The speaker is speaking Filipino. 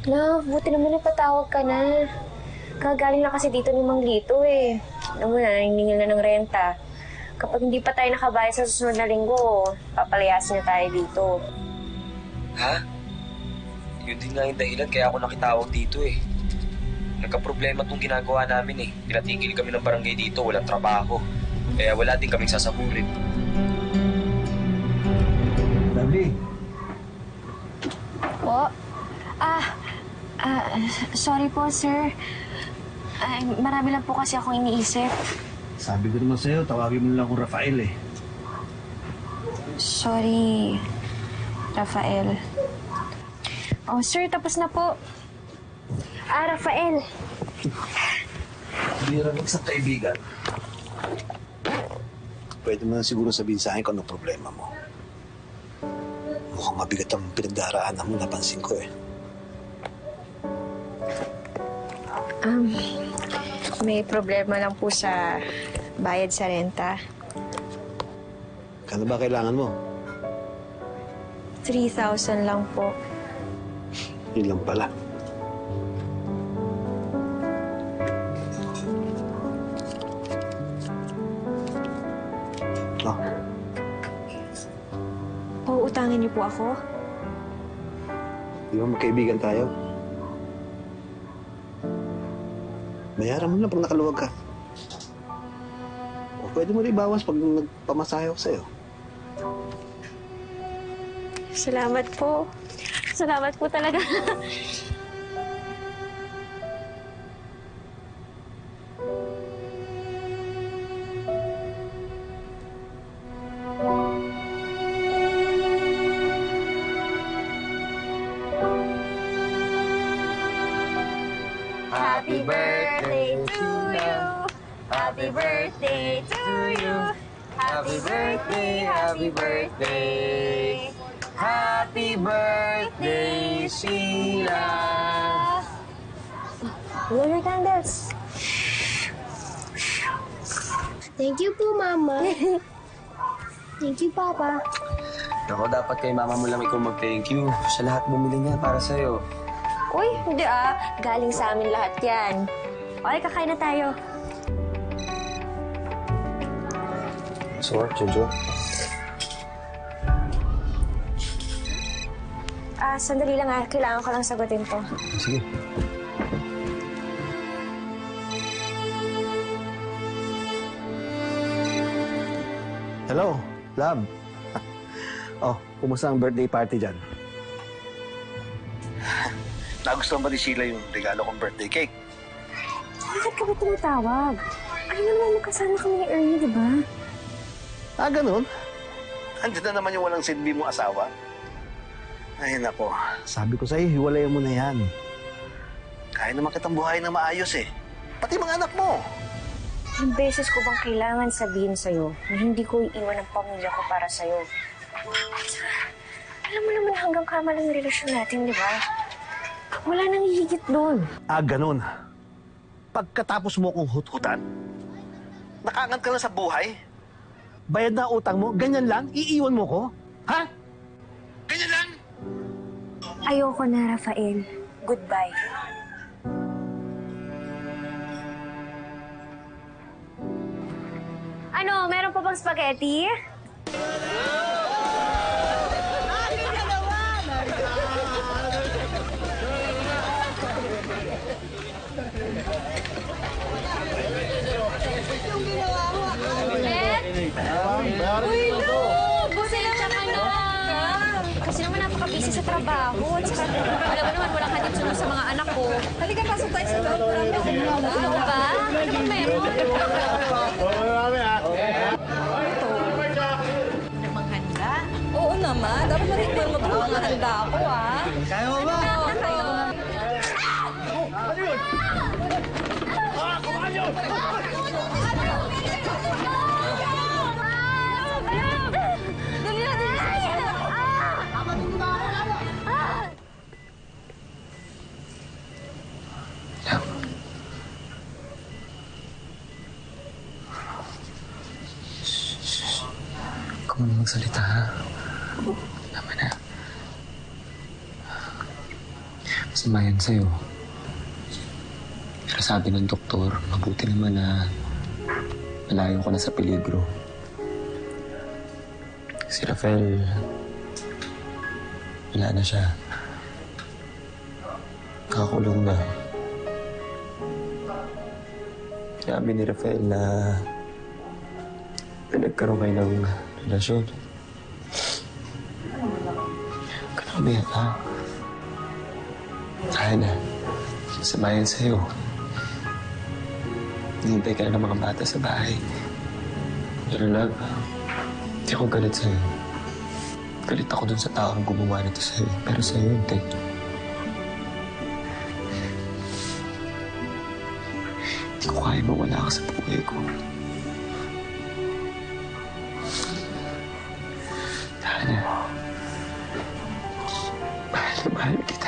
Love, buti naman napatawag ka na. Kagaling na kasi dito ni Mang Lito eh. Alam mo na, naniningil na ng renta. Kapag hindi pa tayo nakabayad sa susunod na linggo, papalayasin na tayo dito. Ha? Yun din nga yung dahilan kaya ako nakitawag dito eh. Nagka-problema tong ginagawa namin eh. Pinatigil kami ng barangay dito, walang trabaho. Kaya wala din kaming sasaburin. Lovely. Po? Sorry po, sir. Marami lang po kasi akong iniisip. Sabi ko naman sa'yo, tawagin mo lang akong Rafael eh. Sorry, Rafael. Oh, sir, tapos na po. Rafael. Hindi rin isang kaibigan. Pwede mo na siguro sabihin sa akin kung anong problema mo. Mukhang mabigat ang pinagdaraanan mo, napansin ko eh. May problema lang po sa bayad sa renta. Kano ba kailangan mo? 3,000 lang po. Yun lang pala. Oh, Uutangin niyo po ako? di ba magkaibigan tayo? Bayaran mo na pag nakaluwag ka. O pwede mo rin ibawas pag nagpamasahe ako sa'yo. Salamat po. Salamat po talaga. Happy birthday to you. Happy birthday to you. Happy birthday, happy birthday. Happy birthday, Sheila! Blow your candles. Thank you po, Mama. Thank you, Papa. Ako, dapat kay mama mo lang ikaw mag-thank you sa lahat bumili niya para sa'yo. Uy, hindi galing sa amin lahat yan. Okay, kakain na tayo. So, Jojo? Sandali lang kailangan ko lang sagutin to. Sige. Hello, love. Oh, kumusta ang birthday party dyan? Nagustuhan ba ni Sheila yung regalo kong birthday cake? Bakit ka ba tumatawag? Ay naman magkasama kami ni Ernie, di ba? Ganun? Andiyan na naman yung walang silbi mong asawa? Ay, nako. Sabi ko sa'yo, hiwalayan mo na yan. Kaya naman kitang buhayin na maayos eh. Pati mga anak mo. Ilang beses ko bang kailangan sabihin sa'yo na hindi ko iiwan ang pamilya ko para sa'yo? Alam mo naman hanggang kama lang yung relasyon natin, di ba? Wala nang hihigit doon. Ganun. Pagkatapos mo kong hut-hutan, nakaangat ka na sa buhay, bayad na utang mo, ganyan lang, iiwan mo ko? Ha? Ganyan lang? Ayoko na, Rafael. Goodbye. Ano, meron pa bang spaghetti? Uy, no! Pasensya ka na! Kasi naman napaka-busy sa trabaho. At saka, alam mo naman, walang hatid sunod sa mga anak ko. Halika, pasok tayo sa loob. Ano ba? Ano bang meron? Namang handa? Oo naman. Dapat matikman mo ito mga handa ko, ah. Kaya mo ba? Ano yun? Kumain yun! Dali na, dali na! Ikaw na magsalita, ha? Tama na. masama yan sa'yo. Pero sabi ng doktor, mabuti naman na malayo ka na sa peligro. Si Rafael, wala na siya. Nakakulong na. Sinabi ni Rafael na nagkaroon kayo ng relasyon. Ganun ba yan, ha? Kaya na. Samayan sa'yo. Hintay ka na ng mga bata sa bahay. Pero love, hindi ako galit sa'yo. Galit ako dun sa taong gumawa nito sa'yo. Pero sa'yo, hindi. Hindi ko kaya mawala ka sa buhay ko. Tana, mahal na mahal kita.